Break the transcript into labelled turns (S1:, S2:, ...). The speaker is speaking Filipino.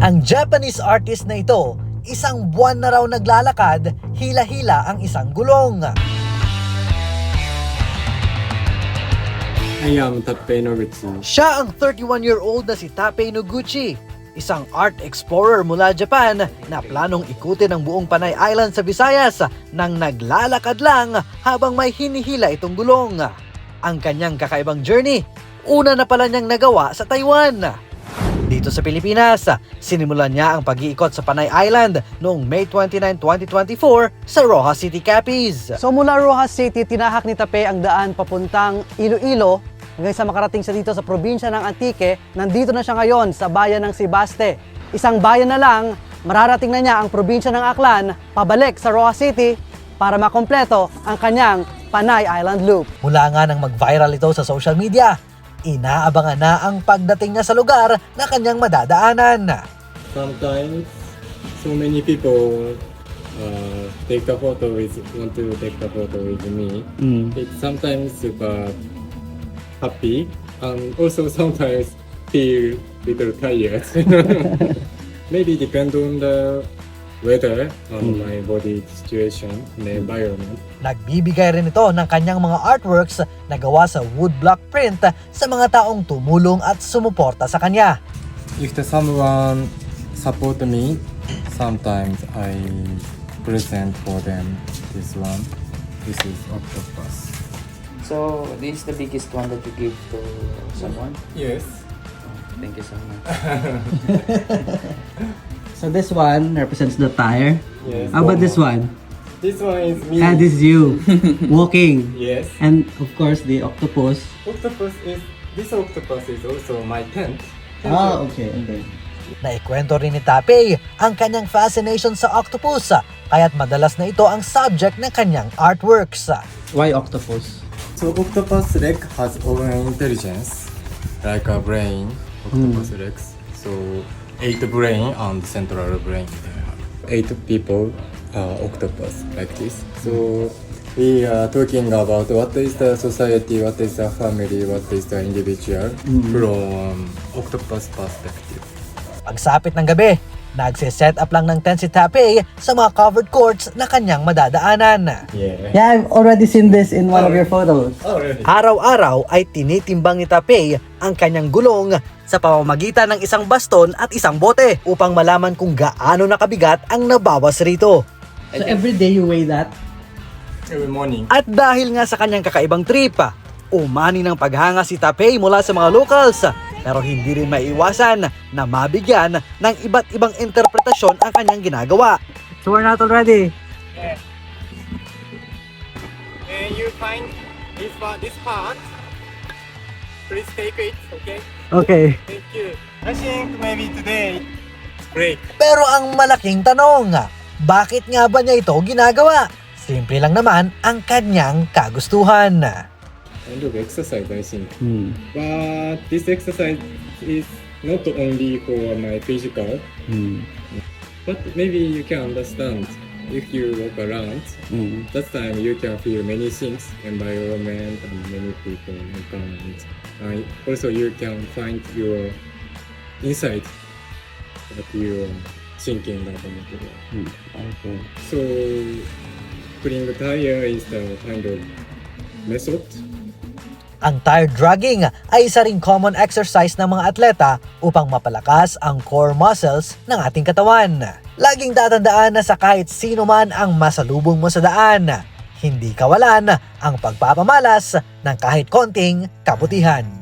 S1: Ang Japanese artist na ito, isang buwan na raw naglalakad, hila-hila ang isang gulong.
S2: I am Tappei Noguchi.
S1: Siya ang 31-year-old na si Tappei Noguchi, isang art explorer mula Japan na planong ikutin ang buong Panay Island sa Visayas nang naglalakad lang habang may hinihila itong gulong. Ang kanyang kakaibang journey, una na pala niyang nagawa sa Taiwan. Dito sa Pilipinas, sinimulan niya ang pag-iikot sa Panay Island noong May 29, 2024 sa Rojas City, Capiz.
S3: So mula Rojas City, tinahak ni Tappei ang daan papuntang Iloilo hanggang sa makarating siya dito sa probinsya ng Antique. Nandito na siya ngayon sa bayan ng Sibaste. Isang bayan na lang, mararating na niya ang probinsya ng Aklan, pabalik sa Rojas City para makompleto ang kanyang Panay Island Loop.
S1: Mula nga nang mag-viral ito sa social media, inaabangan na ang pagdating niya sa lugar na kanyang madadaanan.
S2: Sometimes, so many people take the photo want to take the photo with me. It's sometimes super happy and also sometimes feel little tired. Maybe depend on the weather and my body situation and the environment.
S1: Nagbibigay rin ito ng kanyang mga artworks na gawa sa woodblock print sa mga taong tumulong at sumuporta sa kanya.
S2: If someone support me, sometimes I present for them this one. This is octopus.
S4: So, this is the biggest one that you give to someone?
S2: Yes.
S4: Thank you so much.
S3: So this one represents the tire.
S2: Yes.
S3: How about this one?
S2: This one is me.
S3: And this is you walking.
S2: Yes.
S3: And of course the octopus.
S2: This octopus is also my tent.
S3: Ah, okay. Okay.
S1: Naikwento rin ni Tappei ang kanyang fascination sa octopus, kaya't madalas na ito ang subject ng kanyang artworks.
S3: Why octopus?
S2: So octopus leg has own intelligence, like a brain. Octopus legs. So 8 brain and central brain. 8 people are octopus like this. So we are talking about what is the society, what is the family, what is the individual from octopus perspective.
S1: Pagsapit ng gabi, nagsiset up lang ng tent si Tappei sa mga covered courts na kanyang madadaanan.
S2: Yeah.
S3: Yeah, I've already seen this in one of your photos.
S2: Oh really?
S1: Araw-araw ay tinitimbang ni Tappei ang kanyang gulong sa pamamagitan ng isang baston at isang bote upang malaman kung gaano nakabigat ang nabawas rito.
S3: So every day you weigh that?
S2: Every morning.
S1: At dahil nga sa kanyang kakaibang trip, umani ng paghanga si Tappei mula sa mga locals, pero hindi rin maiiwasan na mabigyan ng iba't ibang interpretasyon ang kanyang ginagawa.
S3: So we're not already.
S2: And you find this part. Please take it, okay?
S3: Okay.
S2: Thank you. I think maybe today break.
S1: Pero ang malaking tanong, bakit nga ba niya ito ginagawa? Simple lang naman ang kanyang kagustuhan.
S2: Kind of exercise, I think. But this exercise is not only for my physical, but maybe you can understand if you walk around. That time you can feel many things, environment and many people environment. Also you can find your insight that you are thinking about it.
S3: Okay.
S2: So putting the tire is the kind of method.
S1: Ang tire dragging ay isa ring common exercise ng mga atleta upang mapalakas ang core muscles ng ating katawan. Laging tatandaan na sa kahit sino man ang masalubong mo sa daan, hindi kawalan ang pagpapamalas ng kahit konting kabutihan.